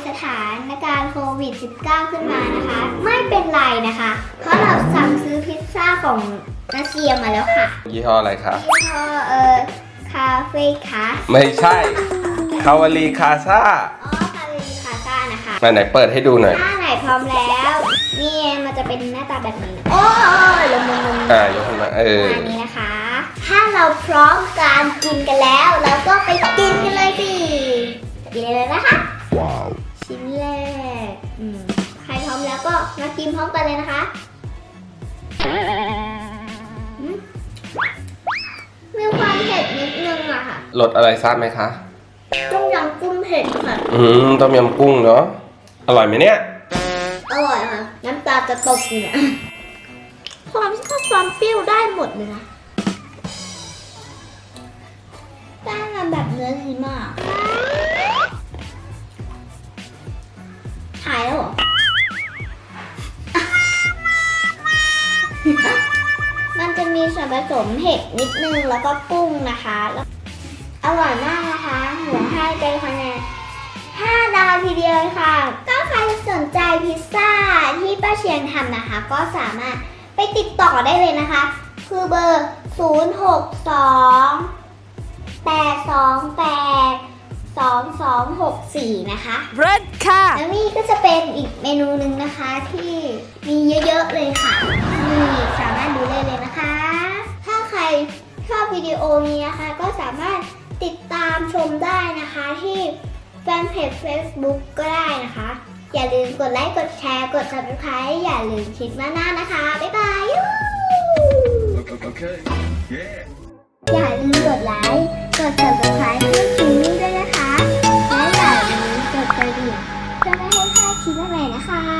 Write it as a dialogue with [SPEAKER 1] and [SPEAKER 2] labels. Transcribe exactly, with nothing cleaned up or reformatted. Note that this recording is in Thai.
[SPEAKER 1] สถานการณ์โควิด สิบเก้า ขึ้นมานะคะ ไม่เป็นไรนะคะ เพราะเราสั่งซื้อพิซซ่าของนาเซียมาแล้วค่ะ
[SPEAKER 2] ยี่ห้ออะไรคะ
[SPEAKER 1] ยี่ห้อเอ่อคาเฟ่คา
[SPEAKER 2] ไม่ใช่คาวาลีคาซ่า
[SPEAKER 1] อ๋อคาเฟ่คาซ่านะคะ
[SPEAKER 2] มาไหนเปิดให้ดูหน่อย
[SPEAKER 1] ถ้าไหนพร้อมแล้ว นี่มันจะเป็นหน้าตาแบบนี้นะโอ้ยลงลงลง
[SPEAKER 2] อ่ายกขึ้นมาเออ
[SPEAKER 1] อันนี้นะคะ ถ้าเราพร้อมการกินกันแล้ว เราก็ไปกินกันเลยสิกินเลยนะคะว้าวชิ้นแรกอืมใครพร้อมแล้วก็มากินพร้อมกันเลยนะคะอืมมีความเผ็ดนิดนึงอะค่ะ
[SPEAKER 2] รสอะไรทราบไหมคะ
[SPEAKER 1] ต้มยำกุ้งเผ็ดค่ะ
[SPEAKER 2] อืมต้มยำกุ้งเนาะอร่อยไหมเนี่ย
[SPEAKER 1] อร่อยค่ะน้ำตาจะตกอยู่เนี่ยความชอบความเปรี้ยวได้หมดเลยนะแป้งมันแบบเนื้อดีมากหายแล้วเหรอ มันจะมีส่วนผสมเห็ดนิดนึงแล้วก็กุ้งนะคะแล้วอร่อยมากนะคะหนูให้เป็นคะแนนห้าดาวทีเดียวเลยค่ะก็ใครสนใจพิซซ่าที่ป้าเชียงทำนะคะ ก็สามารถไปติดต่อได้เลยนะคะ คือเบอร์ ศูนย์ หก สอง แปด สอง แปด สอง สอง หก สี่ นะคะ
[SPEAKER 3] เรดค่ะ
[SPEAKER 1] แล้วนี่ก็จะเป็นอีกเมนูหนึ่งนะคะที่มีเยอะๆเลยค่ะนี่สามารถดูได้เลยนะคะ ถ้าใครชอบวิดีโอนี้นะคะ ก็สามารถติดตามชมได้นะคะที่แฟนเพจ Facebook ก็ได้นะคะ อย่าลืมกดไลค์กดแชร์กด ซับสไครบ์ อย่าลืมคิดมาหน้านะคะ บ๊ายบาย
[SPEAKER 4] Okay. Yeah.
[SPEAKER 1] อย่าลืมกดไลค์กด ซับสไครบ์ ให้คิมมี่ด้วยนะคะและอย่าลืมกดกระดิ่งเพื่อไม่ให้พลาดคลิปใหม่ๆนะคะ